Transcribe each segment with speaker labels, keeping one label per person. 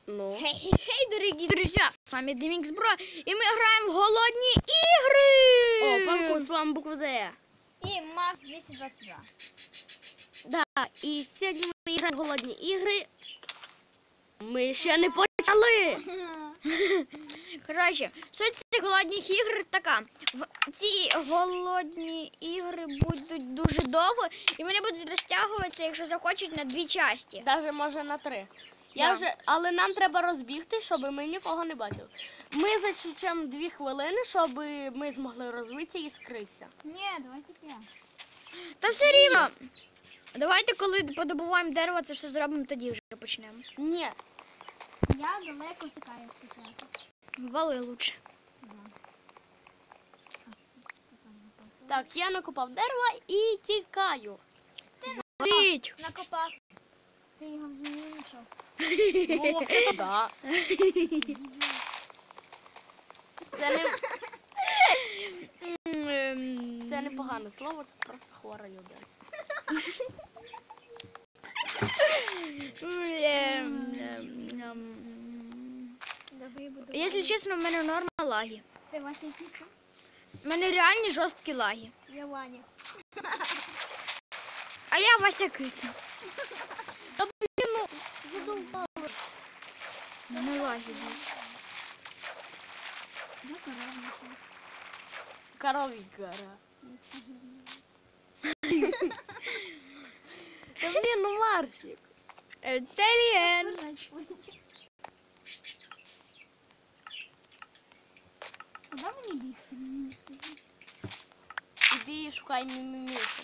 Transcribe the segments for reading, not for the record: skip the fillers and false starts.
Speaker 1: Ну.
Speaker 2: Хей, дорогие друзья, с вами Демикс Бро, и мы играем в голодные игры.
Speaker 1: О, Панку, з вами буква Д.
Speaker 3: І Макс 222.
Speaker 1: Да, і сьогодні ми граємо в голодні ігри. Ми ще не почали.
Speaker 2: Коротше, суть цих голодних ігр така. Ці голодні ігри будуть дуже довго, і вони будуть розтягуватися, якщо захочуть, на 2 часті.
Speaker 1: Навіть може на 3.
Speaker 2: Да.
Speaker 1: Але нам треба розбігти, щоб ми нікого не бачили. Ми зачекаємо 2 хвилини, щоб ми змогли розвитися і скритися.
Speaker 3: Ні, давайте 5.
Speaker 2: Та все рівно. Давайте, коли подобуваємо дерево, це все зробимо, тоді вже почнемо.
Speaker 1: Ні.
Speaker 3: Я далеко втикаю спочатку.
Speaker 2: Вали лучше.
Speaker 1: Так, я накопав дерево і тікаю.
Speaker 2: Ріть.
Speaker 3: Накопав. Ти його в землю знайшов.
Speaker 1: Ну, це да. Це не погане слово, це просто хвора людина.
Speaker 2: Якщо чесно, в мене норма лаги.
Speaker 3: Ти Вася піца?
Speaker 2: У мене реальні жорсткі лаги.
Speaker 3: Я Ваня.
Speaker 2: А я Вася Киця.
Speaker 1: Та блін, ну, задовбали.
Speaker 2: Не лаги більше.
Speaker 3: Ну, корова знайшов.
Speaker 1: Корові гора. Та блін, ну Марсик.
Speaker 2: Теліен.
Speaker 3: Куди мені бігти? Мені скажи.
Speaker 1: Іди і шукай мімімішок.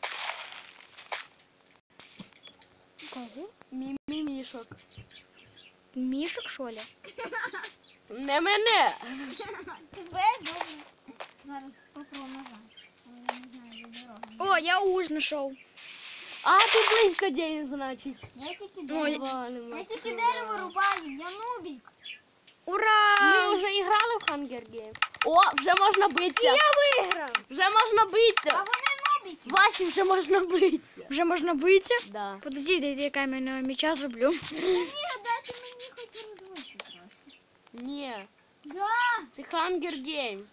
Speaker 2: Кого?
Speaker 1: Мімімішок.
Speaker 2: Мішок, що ли?
Speaker 1: Не мене.
Speaker 3: Тебе добре. Зараз попробуємо назад. Але я не знаю, де дорога.
Speaker 2: О, я уж знайшов.
Speaker 1: А, ти близько день, значить.
Speaker 3: Я тільки
Speaker 2: Ой.
Speaker 3: дерево. Я тільки дерево рубаю, я нубік.
Speaker 2: Ура!
Speaker 1: Ми вже грали в Hunger Games. О, вже можна битися.
Speaker 2: Я виграв!
Speaker 1: Вже можна
Speaker 3: А
Speaker 1: битися.
Speaker 3: вони нубіки.
Speaker 1: Ваші вже можна битися.
Speaker 2: Вже можна битися?
Speaker 1: Да.
Speaker 2: Подожди, я кам'яного меча зроблю.
Speaker 3: Ні, дайте мені хоч розвитися трошки.
Speaker 1: Ні,
Speaker 3: Да.
Speaker 1: це Hunger Games.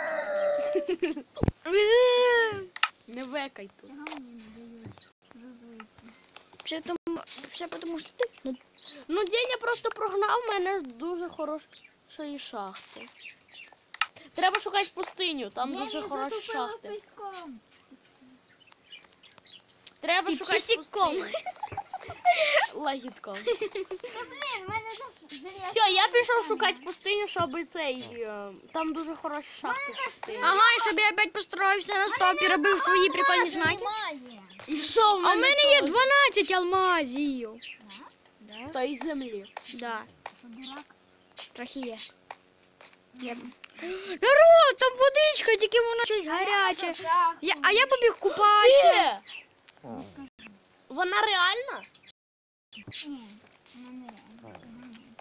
Speaker 1: Не векай тут.
Speaker 3: Чого мені не дають розвитися?
Speaker 2: Все тому, що ти...
Speaker 1: Ну, Деня просто прогнав мене з дуже хорошої шахти. Треба шукати пустиню, там
Speaker 3: Я
Speaker 1: дуже
Speaker 3: не
Speaker 1: хороші
Speaker 3: затопила
Speaker 1: шахти.
Speaker 3: піском.
Speaker 1: Треба
Speaker 2: Ти
Speaker 1: шукати
Speaker 2: пісіком.
Speaker 1: пустиню. Лагідком.
Speaker 3: Та блін, в мене ж железо.
Speaker 1: Все, я пішов шукати пустиню, щоб там дуже хороші шахти в пустині.
Speaker 2: Ага, і щоб я опять построївся на стопі, робив свої прикольні знаки.
Speaker 3: Немає.
Speaker 1: І що в
Speaker 2: А в мене є
Speaker 1: теж?
Speaker 2: 12 алмазів.
Speaker 3: Да?
Speaker 1: Та й землі.
Speaker 2: Да,
Speaker 3: Що, дурак?
Speaker 2: трохи є. Народ, там водичка, тільки вона щось гаряче. А я побіг купатися.
Speaker 1: Де? Вона реальна?
Speaker 3: Ні, вона не реально. Це монета.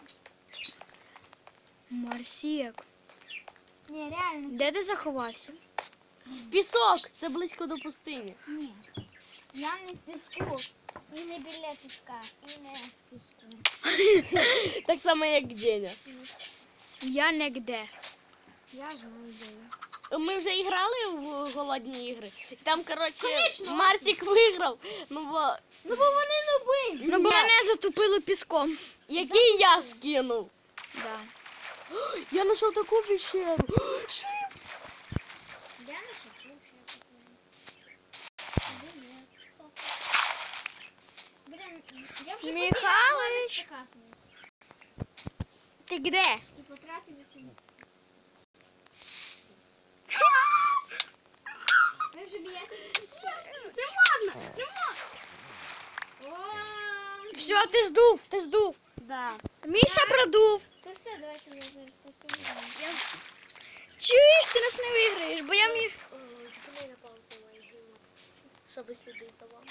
Speaker 2: Марсік,
Speaker 3: Ні, реально.
Speaker 2: де ти заховався?
Speaker 1: Пісок, це близько до пустині.
Speaker 3: Ні. Я не в піску. І не біля піска. І не в піску.
Speaker 1: Так само, як Деня.
Speaker 2: Я нігде.
Speaker 3: Я знаю, де я.
Speaker 1: Ми вже і грали в голодні ігри. І там, коротше,
Speaker 3: Конечно.
Speaker 1: Марсик виграв. Ну, бо
Speaker 3: Ну, бо вони нуби.
Speaker 2: Ну, бо мене затопило піском.
Speaker 1: який я скинув.
Speaker 2: Да.
Speaker 1: Я знайшов таку пещеру.
Speaker 3: Де наша кухня? Блін, я вже
Speaker 2: Михайлович. Ти де?
Speaker 3: І потратив усі. Ви вже б'єтеся?
Speaker 1: Не можна, не можна.
Speaker 3: О,
Speaker 2: Все, ти здув.
Speaker 1: Да.
Speaker 2: Міша продув.
Speaker 3: то все, давайте я зараз засуну.
Speaker 1: Я...
Speaker 2: Чуєш, ти нас не виграєш, бо я міг.
Speaker 1: Зупини на паузу мою гімну, щоб слідити за вами.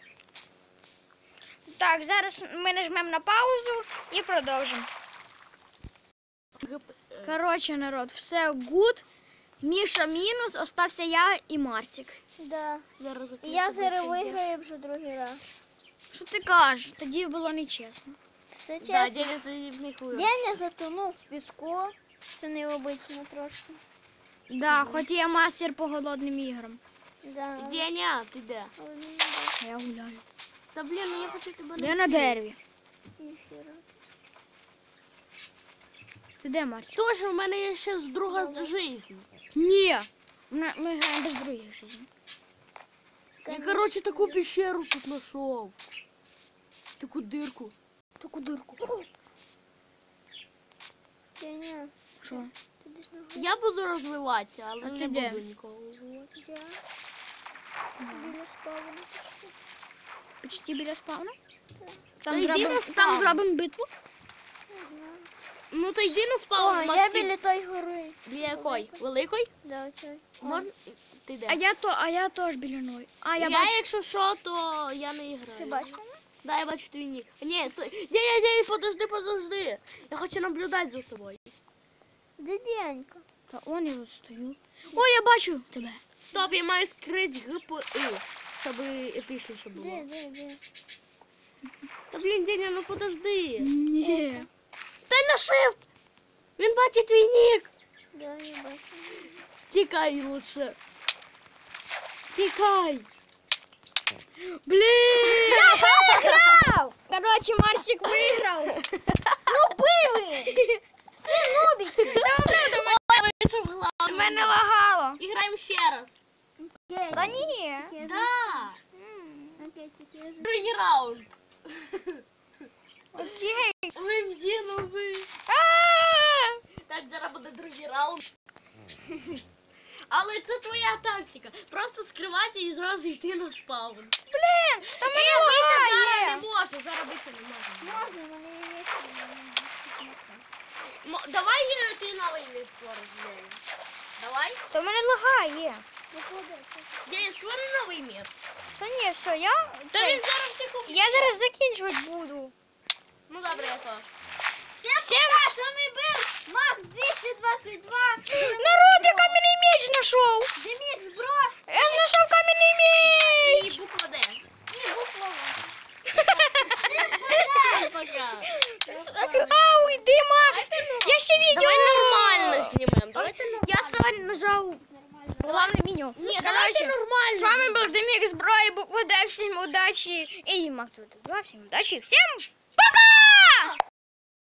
Speaker 2: Так, зараз ми нажмемо на паузу і продовжимо. Коротше, народ, все гуд. Міша мінус, остався я і Марсик.
Speaker 3: Да.
Speaker 1: Зараз
Speaker 3: І я зараз виграю вже другий раз.
Speaker 2: Що ти кажеш? Тоді було нечесно.
Speaker 3: Все
Speaker 1: Да,
Speaker 3: чесно.
Speaker 1: Деня, ти пнікуєш.
Speaker 3: Деня затонув в піску. Це необично трошки.
Speaker 2: Да, хоч я мастер по голодним іграм.
Speaker 3: Да.
Speaker 1: Деня, ти де?
Speaker 3: Але мені не
Speaker 2: Я гуляю.
Speaker 1: Та блін, ну я хочу тебе
Speaker 2: Я на дереві.
Speaker 3: ніхіра.
Speaker 2: Ти де, Марсик?
Speaker 1: Тож, у мене є ще друга життя.
Speaker 2: Ні. Ми граємо без других життів.
Speaker 1: Я, короче, таку пещеру тут знайшов. Таку дирку.
Speaker 2: Таку дирку.
Speaker 3: Деня,
Speaker 2: Що?
Speaker 3: ти десь на горі?
Speaker 1: Я буду розвиватися, але
Speaker 2: А
Speaker 1: не
Speaker 2: ти де?
Speaker 1: буду нікого вбивати.
Speaker 3: Я біля спавну пішли.
Speaker 2: Почти біля спавна?
Speaker 1: Та йди на спавн.
Speaker 2: Там зробимо битву?
Speaker 3: Не знаю.
Speaker 1: Ну то йди на
Speaker 3: О,
Speaker 1: спаун,
Speaker 3: я
Speaker 1: Максим.
Speaker 3: біля той гори.
Speaker 1: Біля якої? Великої?
Speaker 3: Да, оцей.
Speaker 1: Можна? Ти де?
Speaker 2: А я теж біля ної. А, я
Speaker 1: я
Speaker 2: бачу.
Speaker 1: якщо що, то я не граю.
Speaker 3: Ти бачиш мене?
Speaker 1: Да, я бачу твій нік. Ні, то... подожди. Я хочу наблюдати за тобою.
Speaker 3: Де Денька?
Speaker 2: Та он я от стою. О, я бачу тебе.
Speaker 1: Стоп, я маю скрити ГПИ, щоб епічніше було.
Speaker 3: Де?
Speaker 1: Та блін, Деня, ну подожди.
Speaker 2: Ні.
Speaker 1: Стань на shift! Він бачить твій нік.
Speaker 3: Да, я бачу.
Speaker 1: Тікай лучше. Тікай.
Speaker 2: Блін! Короче, Марсик виграв.
Speaker 3: Пиви! Все нубік!
Speaker 1: Вийшов главний.
Speaker 2: Мене лагало.
Speaker 1: І граємо ще раз.
Speaker 2: Та ні.
Speaker 1: Да.
Speaker 3: Окей, тільки я
Speaker 1: Другий раунд.
Speaker 2: Окей.
Speaker 1: Ви всі нові. Так, зараз буде другий раунд. Але це твоя тактика. Просто скривати і зразу йти на спаун.
Speaker 2: Блін, та мене
Speaker 1: Зараз
Speaker 2: лагає.
Speaker 1: не може, зараз битися не може.
Speaker 3: можна, в мене є вещи, не стикнувся.
Speaker 1: Давай ти новий мір створиш, Деня. Давай.
Speaker 2: Та мене лагає.
Speaker 1: Деня, створи новий мір.
Speaker 2: Та ні, все, я...
Speaker 1: Та
Speaker 2: це-
Speaker 1: він зараз всіх уб'є.
Speaker 2: Я зараз закінчувати буду.
Speaker 1: Ну добре, я теж.
Speaker 2: Всім...
Speaker 3: З вами був Макс 222.
Speaker 2: Народ, я кам'яний меч знайшов.
Speaker 3: Демікс, бро.
Speaker 2: Я знайшов кам'яний меч.
Speaker 1: І буква Д.
Speaker 3: І буква.
Speaker 1: Пока.
Speaker 2: Ау, йди, Макс. Я ще відео.
Speaker 1: Давай нормально знімемо. Давайте нормально.
Speaker 2: Я сьогодні нажав головне меню.
Speaker 1: Ні, давайте нормально.
Speaker 2: З вами був Демікс Бро і буква Д. Всім удачі. І Макс, всім удачі. Всім